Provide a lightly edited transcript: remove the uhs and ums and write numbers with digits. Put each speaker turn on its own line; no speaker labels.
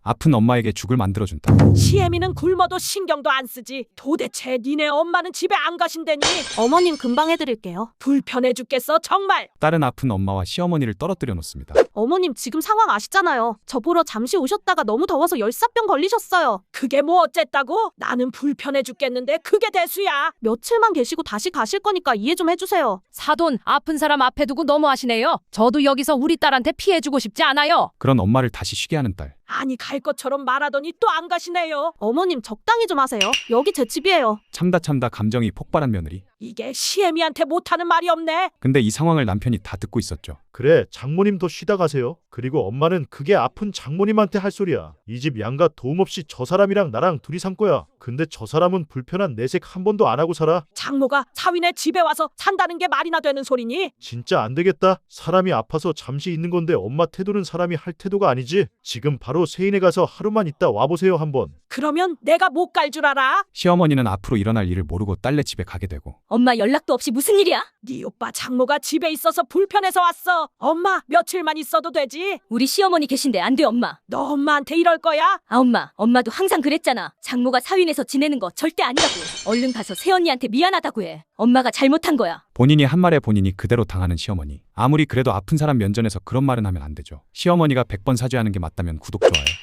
아픈 엄마에게 죽을 만들어준다.
시애미는 굶어도 신경도 안 쓰지. 도대체 니네 엄마는 집에 안 가신다니?
어머님 금방 해드릴게요.
불편해 죽겠어 정말.
딸은 아픈 엄마와 시어머니를 떨어뜨려 놓습니다.
어머님 지금 상황 아시잖아요. 저 보러 잠시 오셨다가 너무 더워서 열사병 걸리셨어요.
그게 뭐 어쨌다고? 나는 불편해 죽겠는데 그게 대수야.
며칠만 계시고 다시 가실 거니까 이해 좀 해주세요.
사돈, 아픈 사람 앞에 두고 너무하시네요. 저도 여기서 우리 딸한테 피해주고 싶지 않아요.
그런 엄마를 다시 쉬게 하는 딸.
아니 갈 것처럼 말하더니 또 안 가시네요.
어머님 적당히 좀 하세요. 여기 제 집이에요.
참다 감정이 폭발한 며느리.
이게 시애미한테 못하는 말이 없네.
근데 이 상황을 남편이 다 듣고 있었죠.
그래, 장모님도 쉬다 가세요. 그리고 엄마는 그게 아픈 장모님한테 할 소리야. 이 집 양가 도움 없이 저 사람이랑 나랑 둘이 산 거야. 근데 저 사람은 불편한 내색 한 번도 안 하고 살아.
장모가 사위네 집에 와서 산다는 게 말이나 되는 소리니?
진짜 안 되겠다. 사람이 아파서 잠시 있는 건데 엄마 태도는 사람이 할 태도가 아니지. 지금 바로 세인에 가서 하루만 있다 와보세요 한번.
그러면 내가 못 갈 줄 알아?
시어머니는 앞으로 일어날 일을 모르고 딸네 집에 가게 되고
엄마 연락도 없이 무슨 일이야?
네 오빠 장모가 집에 있어서 불편해서 왔어. 엄마 며칠만 있어도 되지?
우리 시어머니 계신데 안 돼 엄마.
너 엄마한테 이럴 거야?
아 엄마도 항상 그랬잖아. 장모가 사위내서 지내는 거 절대 아니라고. 얼른 가서 새언니한테 미안하다고 해. 엄마가 잘못한 거야.
본인이 한 말에 본인이 그대로 당하는 시어머니. 아무리 그래도 아픈 사람 면전에서 그런 말은 하면 안 되죠. 시어머니가 100번 사죄하는 게 맞다면 구독, 좋아요.